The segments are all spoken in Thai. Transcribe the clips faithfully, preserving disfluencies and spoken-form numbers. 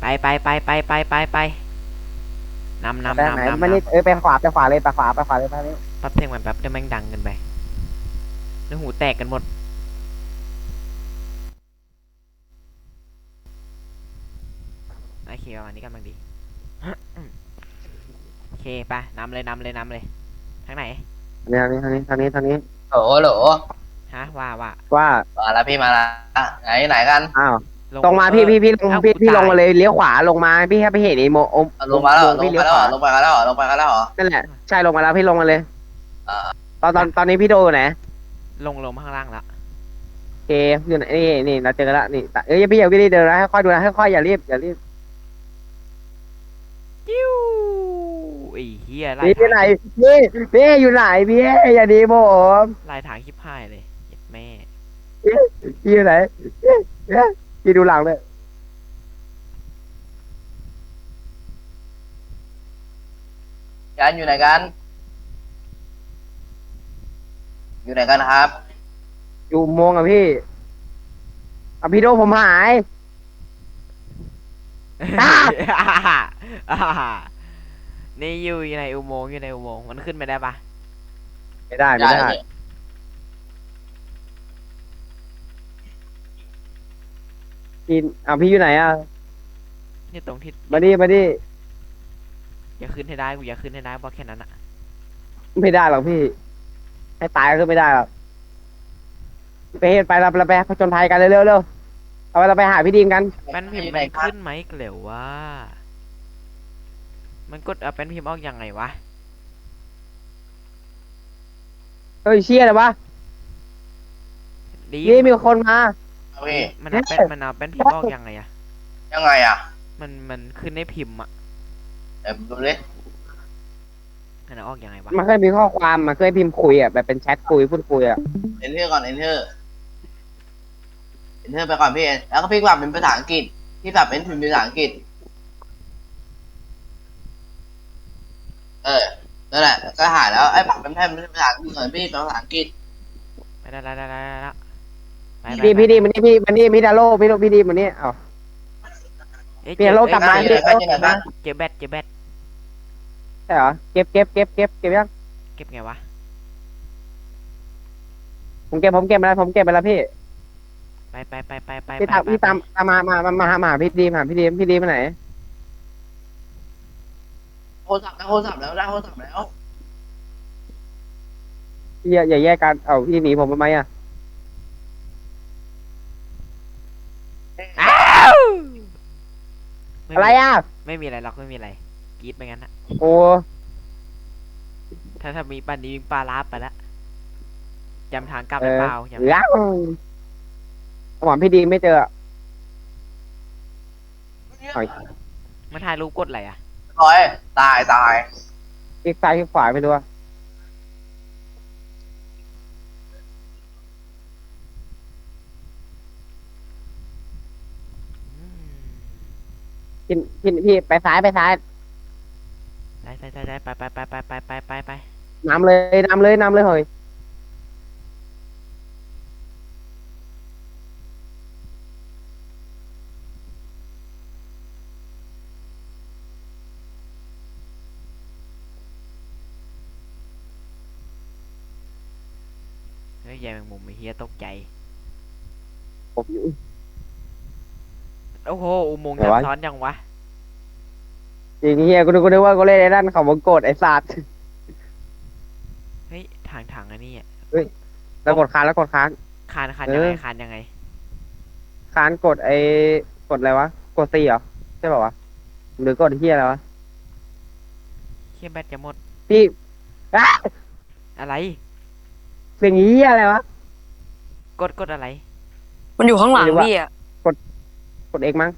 ไปไปไปไปไปไปไปนำนำไปไหนนำนำไม่นี่นำเออไปขวาไปขวาเลยไปขวาไปขวาเลยไปนี่ปั๊บเพลงมันแป๊บเดี๋ยวแม่งดังกันไปแล้วหูแตกกันหมดโอเคประมาณนี้กำลังดีโอเคไปนำเลยนำเลยนำเลยทางไหนทางนี้ทางนี้ทางนี้ทางนี้โหลโหลฮะว่าว่าว่ามาแล้วพี่มาแล้วไหนไหนกันอ้าวลงตรงมาเออพี่พี่พี่ลงเอ้าพี่กูพี่ลงตายมาเลยเลี้ยวขวาลงมาพี่แค่ไปเห็นไอ้โมโอมเอาลงมาแล้วเหรอลพี่งเลี้ไปยวแล้วขเหรอวาลงไปกันแล้วเหรอลงไปกันแล้วเหรอนั่นแหละใช่ลงมาแล้วพี่ลงมาเลยอ่าตอนตอนตอนนี้พี่โดอยู่ไหนลงลงข้างล่างละโอเคอยู่ไหนนี่นี่เราเจอกันแล้วนี่เอ้ยพี่อย่าวิ่งเดินนะค่อยๆดูนะค่อยๆอย่ารีบอย่ารีบจิ้วไอ้เฮียไล่พี่อยู่ไหนทางพี่พี่อยู่ไหนพี่อย่าดีผมไล่ทางชิบหายเลยเจ็บแม่พี่อยู่ไหนพี่พี่ดูหลังเลยกันอยู่ไหนกันอยู่ไหนกันครับอยู่อุโมงค์อะพี่อ่ะพี่โดผมหาย อ่ะนี่อยู่อยู่ในอุโมงค์อยู่ในอุโมงค์มันขึ้นไปได้ปะไม่ได้ไม่ได้พี่อ่ะพี่อยู่ไหนอ่ะนี่ตรงที่มาดิมาดิอย่าขึ้นให้ได้กูอย่าขึ้นให้ได้เพราะแค่นั้นอะไม่ได้หรอกพี่ ให้ตายก็ไม่ได้หรอกไปเห็นไปเราเราไปผจญภัยกันเร็วๆเร็วเอาไปเราไปหาพี่ดีมกันแป้นพิมพ์มันขึ้นไหมเกลียวว่ามันกดเอาแป้นพิมพ์ออกยังไงวะเฮ้ยเชี่ยเลยวะดีนี่มีคนมาพี่มันเอาแป้นมันเอาแป้นพิมพ์ออกยังไงอะยังไงอ่ะมันมันขึ้นในพิมพ์อะเดี๋ยวดูดิมันเอาออกยังไงวะมันเคยมีข้อความมันเคยพิมพ์คุยอ่ะแบบเป็นแชทคุยพูดคุยอ่ะเอนเทอร์ก่อนเอนเทอร์เอนเทอร์ไปก่อนพี่แล้วก็พี่ปรับเป็นภาษาอังกฤษพี่ปรับเป็นพิมพ์เป็นภาษาอังกฤษเออนั่นแหละก็หายแล้วไอ้ปรับเป็นแทนเป็นภาษาอังกฤษหน่อยพี่เป็นภาษาอังกฤษไปได้ได้ได้ได้ได้ละไปไปพี่ไปพี่ดีมันนี่พี่มันนี่พี่ดาโลพี่โลพี่ดีมันนี่เอ้าเอ้ยเปลี่ยนโลกกลับมาเจอเจอกันเจอแบตเจอแบตใช่เหรอเก็บเก็บเก็บเก็บเก็บยังเก็บไงวะผมเก็บผมเก็บไปแล้วผมเก็บไปแล้วพี่ไปไปไปไปไปพี่ไปตามไปพี่ตามตามมามามามาหามาหาพี่ดีมหาพี่ดีมพี่ดีมไปไหนโทรศัพท์ได้โทรศัพท์แล้วได้โทรศัพท์แล้วพี่อย่าอย่าแยกกันเอ้าพี่หนีผมทำไมอ่ะอ้าวม่อะไรมีอ่ะไม่มีอะไรหรอกไม่มีอะไรกรีดไปงั้นอะโอ้ถ้าถ้ามีปันนี้วิ่งปลาลาบไปละจำทางกลับเอได้อเปล่าจำเหลืองหวังพี่ดีมไม่เจอมันถ่ายรูปกดอะไรอะร้อยตายตายคลิกซ้ายคลิกขวาไม่รู้อะอืมพี่พี่พี่ไปซ้ายไปซ้ายได้ได้ได้ได้ไปไปไปไปไปไปไปไปนำเลยนำเลยนำเลยเฮ้ยเฮ้ยยายแมงมุมไอ้เฮียตกใจผมอยู่โอ้โหอุโมงค์ไหนซับวะซ้อนยังวะจริงเฮียกูนึกกูนึกว่ากูเล่นไอ้นั่นเขาวงกดไอ้สัตว์เฮ้ยทางทางอันนี้อะแล้วกดค้างแล้วกดค้างคานคานเอยังอไงคานยังไงค้างกดไอ้กดอะไรวะกดซีเหรอใช่ป่าวะหรือกดเฮียอะไรวะเฮียแบตจะหมดพี่อ่ะอะไรเสียงเฮียอะไรวะกดกดอะไรมันอยู่ข้างหลังไม่รู้อะพี่อ่ะกดเอกมั้ง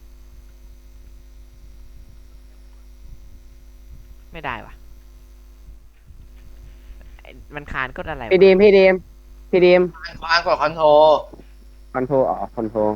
ไม่ได้วะไอ้มันคานกดอะไรวะพี่ดีมพี่ดีมพี่ดีมควานกดคอนโทรคอนโทรอ๋อคอนโทร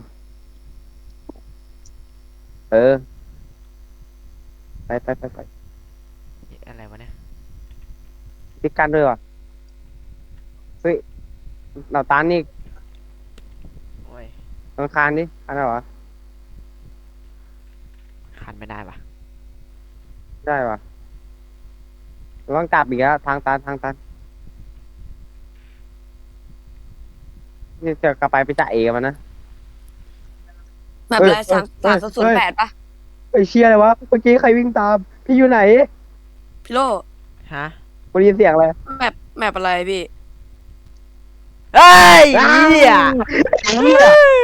เออไปไปไปไปอะไรวะเนี่ยพิกกันด้วยวะเฮ้ยเราตานนี่โอ้ยต้องคานดิคานเหรอทันไม่ได้ปะได้ปะเราต้องกลับอีกแล้วทางตันทางตันนี่จะกลับไปไปจ่าเอมันนะแบบเฮ้ยไรสามเฮ้สามยศูนย์แปดปะไอ้เชี่ยอะไรวะเมื่อกี้ใครวิ่งตาม พี่อยู่ไหนพี่โลฮะกูได้ยินเสียงอะไรแมปแมปอะไรพี่เฮ้ยเหี้ยเหี้ย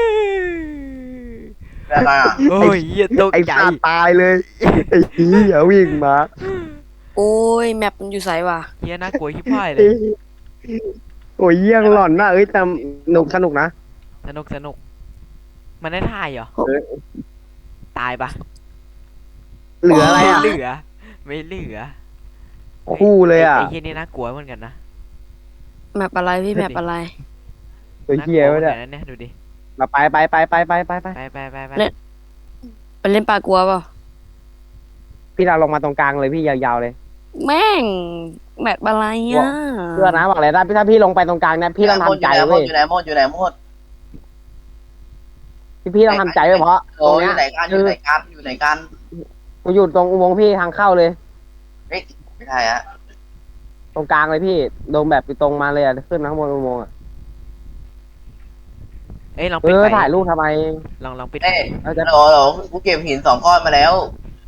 แบบอะไรอ่ะโอ้ยเหี้ยตกไอ้ใจสัตว์ตายเลยไอ้เหี้ยวิ่งมาโอ้ยแมปมันอยู่ไสวะเหี้ยน่ากลัวชิบหายเลยโอ้ยเยี่ยงหล่อนนะเอ้ยแต่สนุกสนุกนะสนุกสนุกมันได้ถ่ายเหรอเออตายปะเหลืออะไรอ่ะไม่เหลือ ไม่เหลือคู่เลยอ่ะไอ้เหี้ยนี่น่ากลัวเหมือนกันนะแมปอะไรพี่แมปอะไรตัวน่ากเหี้ยลัวไว้เหมือนเนี่ยกันนะเนี่ยดูดิมาไปไปไปไปไปไปไปไปไปไปไปเล่น ไปเล่นปลากลัวเปล่าพี่เราลงมาตรงกลางเลยพี่ยาวๆเลยแม่งแมปอะไรอ่ะเพื่อนะบอกเลยนะพี่ถ้าพี่ลงไปตรงกลางเนี่ยพี่ต้องทำใจอยู่ไหนหมเว้ดยอยู่ไหนหมดอยู่ไหนหมดพี่พี่ต้องทำใจไว้เพราะตโอ้รงยอเนี้ยยู่ไหนกันอคืยู่อไหนกันอยู่ไหนกันกูอยู่ตรงอุโมงค์พี่ทางเข้าเลยเฮ้ยไม่ใช่ฮะตรงกลางเลยพี่โดมแบบตรงมาเลยอ่ะขึ้นมาข้างบนอุโมงค์อ่ะเอ้ยลองเอปิดอไฟถ่ายรูปทำไมลองลองปิดไฟเอ้ยเอาจะโหลโหลกูเก็บหินสองก้อนมาแล้ว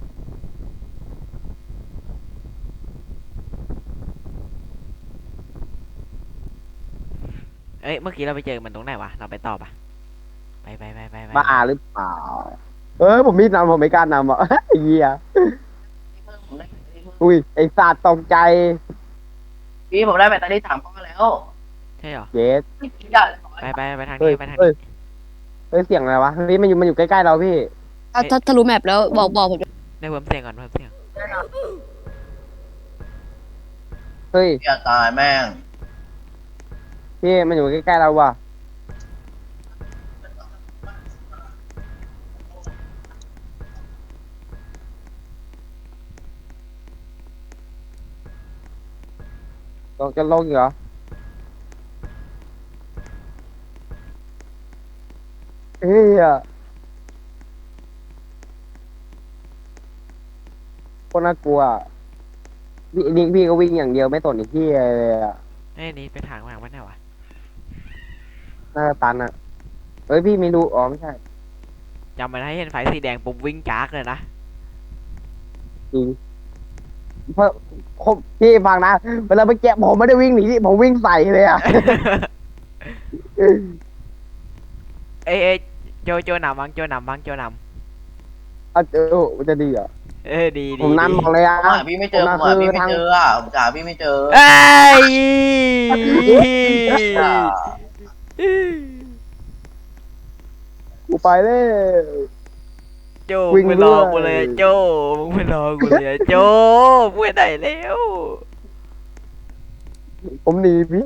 เอ้ยเมื่อกี้เราไปเจอมันตรงไหนวะเราไปต่อปะไปไปไปไปไปบ้าหรือเปล่าเออผมมีดนำผมไม่กล้านำอ่ะ ไอ้เหี้ยอุ้ยไอ้สัตว์ตกใจพี่ผมได้แบตเตอรี่สามก้อนแล้วใช่เหรอเยสอย่าไปไปไปทางเฮ้ยนี้ไปทางเฮ้ยนี้เฮ้ยเสียงอะไรวะเฮ้ยมันอยู่มันอยู่ใกล้ๆเราพี่ถ้าถ้าถ้ารู้แมปแล้วบอกบอกผมได้เพิ่มเสียงก่อนเพิ่มเสียงเฮ้ยอย่าตายแม่งพี่มันอยู่ใกล้ๆเราว่ะลงจะลงอีกเหรอเฮ้ยอะคนน่ากลัวอะพี่นี่พี่ก็วิ่งอย่างเดียวไม่สนไอ้ที่เลยอะเอ้ยนี่ไปทางทางวัดไหนวะน่าจะตันอะเฮ้ยพี่ไม่รู้อ๋อไม่ใช่จำมันให้เห็นไฟสีแดงปุ๊บวิ่งจากเลยนะจริงเพราะผมพี่ฟังนะเวลาไปแกะผมไม่ได้วิ่งหนีผมวิ่งใส่เลยอะเอ้ยเอ้ยโจโจนำบ้างโจนำบ้างโจนเอาเจอมันจะดีเหรอำเออดีดีผมดีนำบอกเลยอะผมหาพี่ไม่เจอผมหาพี่ไม่เจออ่ะผมหาพี่ไม่เจอเอ้ยอ่ากูไปเลยโจวิ่งมึงไปรอด้วยกูเลยโจมึงไปรอกูเลยโจมึงไปไหนแล้วผมหนีพี่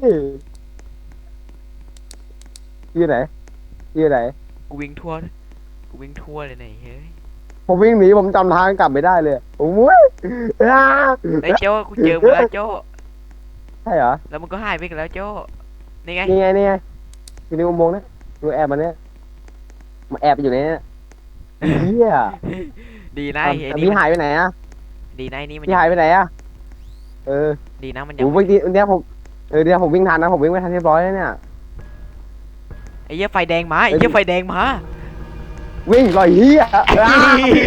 อยู่ไหนอยู่ไหนกูวิ่งทั่วกูวิ่งทั่วเลยไหนเฮ้ยผมวิ่งหนีผมจำทางกลับไม่ได้เลยผมวิ่งอ้าไอ้ยโจกูเจอมึงแล้วโจใช่เหรอแล้วมึงก็หายไปกันแล้วโจนี่ไงนี่ไงนี่ไงอยู่ในอุโมงค์นะดูแอบมาเนี่ยมาแอบอยู่ในเนี้เฮียดีนะไอ้แต่นี่พี่มันหายไปไหนอะดีนะไอ้นี่มันพี่หายไปไหนอะเออดีนะมันยังโอ้เมื่อกี้เนี้ยผมเออเดี๋ยวผมวิ่งทันนะผมวิ่งไม่ทันเรียบร้อยแล้วเนี่ยไอ้เหี้ยไฟแดงมาไอ้เหี้ยไฟแดงมาวิ่งลอยเฮียอ้า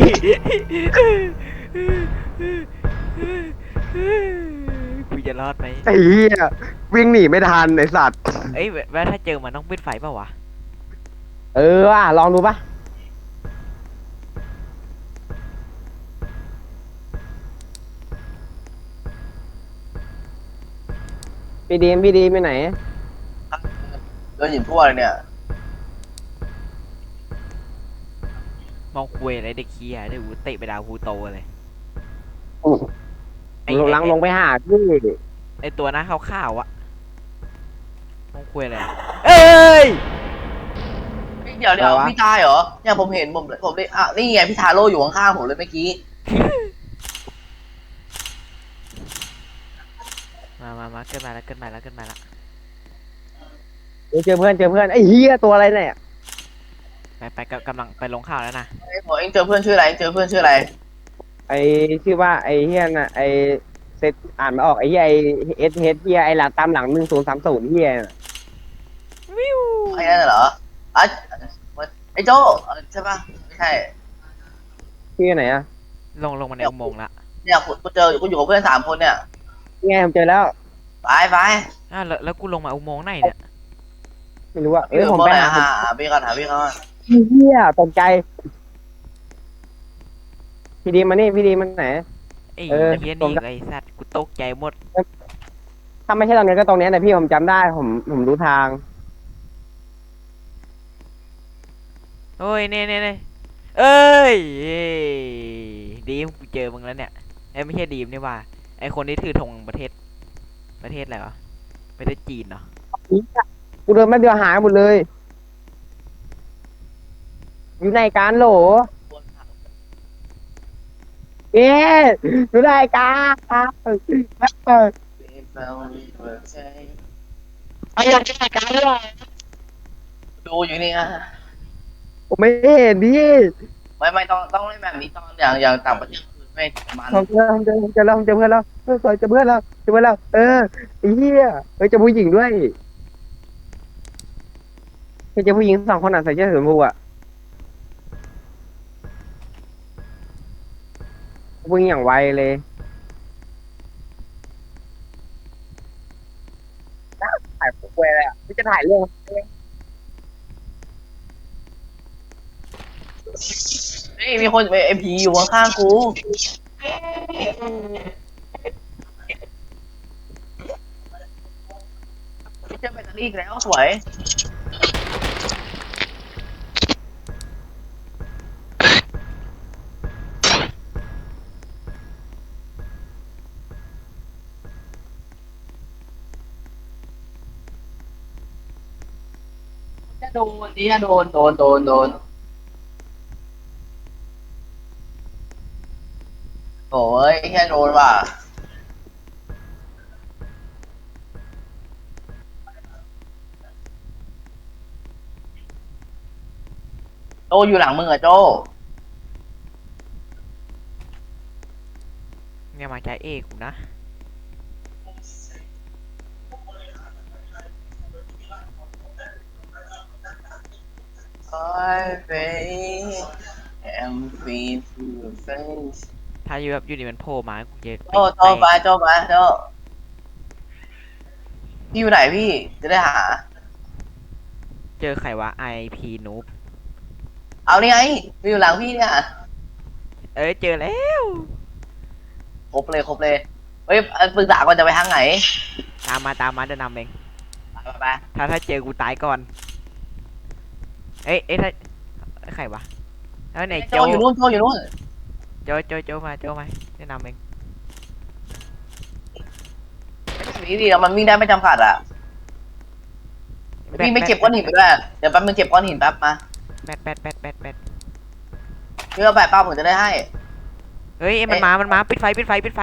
กูจะรอดไหมไอ้เฮียวิ่งหนีไม่ทันไอสัตว์เอ้ยว่าถ้าเจอมันต้องปิดไฟเปล่าวะเออว่ะลองดูปะพี่ดีมพี่ดีมไปไหนโดนหินทั่วเลยเนี่ยมองคุยอะไรเด็กเคียเดี๋ยวกูเตะไปดาวฮูโตเลย ไอ้ลงลังลงไปหาพี่ไอตัวหน้าขาวๆอะมองคุยอะไรอะเอ้ยเดี๋ยวเดี๋ยวพี่ตายเหรอเนี่ยผมเห็นผมผมเลยอ่ะนี่ไงพี่ทาโร่อยู่ข้างๆผมเลยเมื่อกี้มามามาเกินมาแล้วเกินมาแล้วเกินมาแล้วเจอเพื่อนเจอเพื่อนไอ้เฮียตัวอะไรเนี่ยไปไปกำกำลังไปลงข่าวแล้วนะโอ้เอ็งเจอเพื่อนชื่ออะไรเอ็งเจอเพื่อนชื่ออะไรไอชื่อว่าไอเฮียน่ะไอเซตอ่านไม่ออกไอเฮียไอเอสเฮดเฮียไอหลังตามหลังหนึ่งศูนย์สามศูนย์เฮียน่ะวิวไอ้นั่นเหรออ่ะไอ้โจ้เออใช่ปะไม่ใช่ชื่อไหนอ่ะลงลงมาในอุโมงค์ละเนี่ยกูกูเจอกูอยู่กับเพื่อนสามคนเนี่ยนี่ไงผมเจอแล้วไปไปอ้าวแล้วแล้วกูลงมาอุโมงค์ไหนเนี่ยไม่รู้ว่าเอพี่อผมผมไปไปหาหาหาพี่ก่อนหาพี่ก่อนเฮียตกใจพี่ดีมานี่พี่ดีมันไหนไอ้เออเฮียผมนี่ไอ้สัตว์กูตกใจหมดถ้าไม่ใช่ตรงนี้ก็ตรงนี้นะพี่ผมจำได้ผมผมรู้ทางโอ้ยเน่เน่เน่เอ้ยดีมกูเจอมึงแล้วเนี่ยไอ้ยไม่ใช่ดีมนี่ว่าไอ้คนที่ถือธงประเทศประเทศอะไรวะประเทศจีนเนาะกูเดินไม่เดียวหายหมดเลย อยู่ในการโหลเอ๊ะอยู่ในการเออไอ้ยังจะในการเลยดูอยู่นี่นะผมไม่เห็นพี่ไม่ไม่ต้องต้องเล่นแบบนี้ตอนอย่างอย่างต่างประเทศคือไม่มันผมเจอผมเจอผมเจอแล้วผมเจอเพื่อนแล้วเออสวยเจอเพื่อนแล้วเจอเพื่อนแล้วเออไอ้เหี้ยเฮ้ยเจอผู้หญิงด้วยเฮ้ยเจอผู้หญิงสองคนอ่ะใส่เสื้อสีชมพูอ่ะวิ่งอย่างไวเลยถ่ายพวกเวเลยอ่ะพี่จะถ่ายเรื่องเฮ้ยมีคนไอผีอยู่ข้างๆกูเจอแบตเตอรี่อีกแล้วสวยจะโดนนี่จะโดนโดนโดนโดนโอ้ยแค่โดนว่ะโจอยู่หลังมึงอะโจเนี่ยมาใจเอกกูนะ I face am free to the face ถ้าอยู่แบบอยู่ดีมันโผล่มากูจะโจโจไปโจไปโจพี่อยู่ไหนพี่จะได้หาเจอใครวะไอพีนูบเอานี่ไงมีอยู่หลังพี่เนี่ยเอ้ยเจอแล้วครบเลยครบเลยเฮ้ยปรึกษาก่อนจะไปทางไหนตามมาตามมาจะนำเองไปไปไปถ้าถ้าเจอกูตายก่อนเอ้ยเอ้ยถ้าใครวะแล้วไหนโจโจอยู่นู่นโจอยู่นู่นโจโจโจมาโจมาแนะนำเองไม่ดีดีแล้วมันวิ่งได้ไม่จำกัดอ่ะพี่ไม่เก็บก้อนหินไปด้วยเดี๋ยวแป๊บนึงเก็บก้อนหินแป๊บมาแปดแปดแปดแปดแปดพี่เอาแบบเป้าผมจะได้ให้เฮ้ยมันมา มันมาปิดไฟปิดไฟปิดไฟ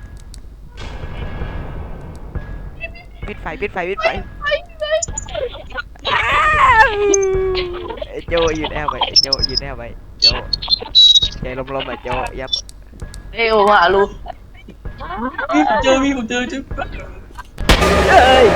ปิดไฟปิดไฟปิดไฟอ้าวไอ้โจยืนแอบไปไอ้โจยืนแอบไปโจใจลมๆอ่ะโจยับเอ้ยว่าลูพี่ผมเจอพี่ผมเจอเจอเอ้ย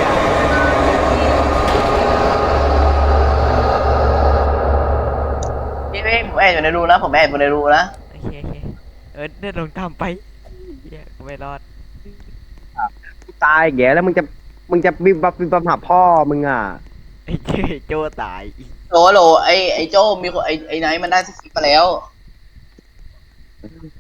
พี่พี่ผมแอบอยู่ในรูนะผมแอบอยู่ในรูนะโอเคโอเคเออเดินลงตามไปเหี้ยกูไม่รอดตายแกแล้วมึงจะมึงจะบิบบับบิบบับหาพ่อมึงอ่ะไอ้เจโจตายโหลโหลไอไอโจมีคนไอไอไนท์มันได้สกิปไปแล้ว